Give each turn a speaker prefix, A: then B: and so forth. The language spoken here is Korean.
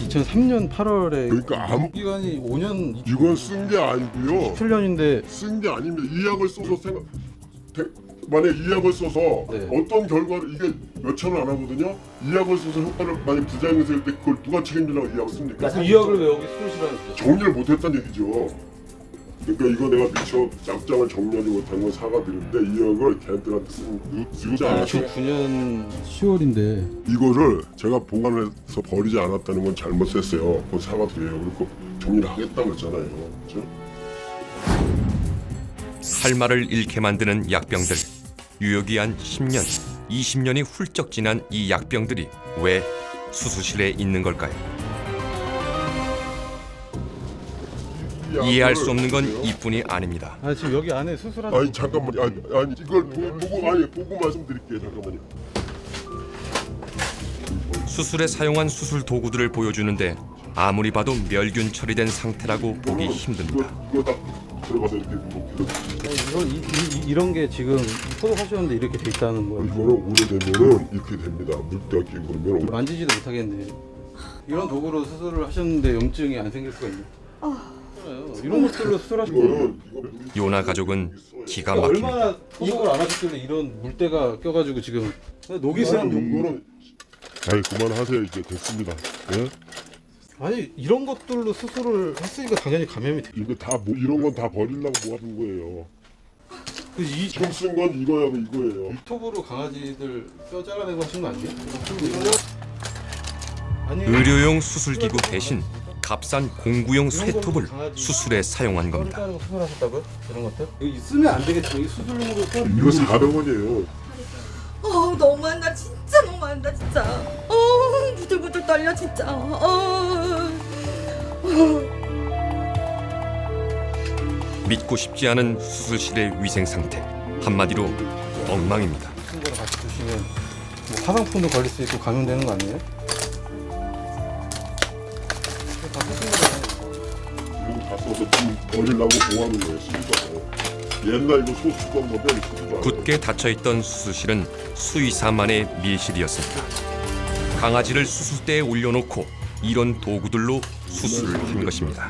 A: 2003년 8월에
B: 그러니까 아무
A: 기간이 5년
B: 이건 쓴 게 아니고요.
A: 7년인데
B: 쓴 게 아닙니다. 이 약을 써서 만약 이 약을 써서
A: 네.
B: 어떤 결과를 이게 몇천 원 안 하거든요. 이 약을 써서 효과를 만약 부작용이 있을 때 그걸 누가 책임지려고 이 약을 씁니까?
A: 이 약을 왜 여기 수술실하는 거죠?
B: 정리를 못했다는 얘기죠. 그러니까 이거 내가 미처 약장을 정리하지 못한 건 사과드리는데 이 약을 걔한테한테 쓰지 않았죠.
A: 2009년 10월인데
B: 이거를 제가 보관해서 버리지 않았다는 건 잘못했어요. 그건 사과드려요. 그리고 정리를 하겠다고 했잖아요. 그렇죠?
C: 할 말을 잃게 만드는 약병들. 유효기한 10년, 20년이 훌쩍 지난 이 약병들이 왜 수술실에 있는 걸까요? 이해할 수 없는 건 이뿐이 아닙니다.
A: 아 지금 여기 안에 수술하는
B: 아니 잠깐만요. 아니 이걸 보고 말씀드릴게요. 잠깐만요.
C: 수술에 사용한 수술 도구들을 보여주는데 아무리 봐도 멸균 처리된 상태라고 보기 힘듭니다.
B: 이거 딱 들어가서 이렇게
A: 이런 게 지금 소독하셨는데 이렇게 돼 있다는 거예요.
B: 이거는 오래되면은 이렇게 됩니다. 물때가 끼고 그러면
A: 만지지도 못하겠네. 이런 도구로 수술을 하셨는데 염증이 안 생길 수가 있네. 이런 것들로 수술하신 거예요.
B: 이거는
C: 요나 가족은 기가 막힙니다.
A: 얼마나 소독을 안 하셨길래 이런 물때가 껴가지고 지금 녹이 슬은
B: 이거는 아니 그만하세요. 이제 됐습니다. 예?
A: 아니 이런 것들로 수술을 했으니까 당연히 감염이 돼.
B: 이거 다 이런 건 다 버리려고 모아둔 거예요.
A: 이
B: 지금 쓴 건 이거하고 이거예요.
A: 톱으로 강아지들 뼈 잘라내고 하신 거 아니에요? 아니
C: 의료용 수술기구 대신 값싼 공구용 쇠톱을 수술에 사용한 겁니다.
A: 뼈를 자르고 수술하셨다고요? 이런 것들? 이거 쓰면 안 되겠죠. 이 수술용으로
B: 이거 400원이에요.
D: 너무한다 진짜 너무한다 진짜 부들부들 떨려 진짜
C: 믿고 싶지 않은 수술실의 위생 상태. 한마디로 엉망입니다.
A: 쓴 거랑 같이 드시면 뭐 화상품도 걸릴 수 있고 감염되는 거 아니에요? 다 쓰신 거잖아요.
B: 이거 다 써서 지금 버리려고 모아놓은 거예요. 쓰기가. 옛날 이거 소수건 건데 쓰지도
C: 굳게 닫혀있던 수술실은 수의사만의 밀실이었습니다. 강아지를 수술대에 올려놓고 이런 도구들로 수술을 한 것입니다.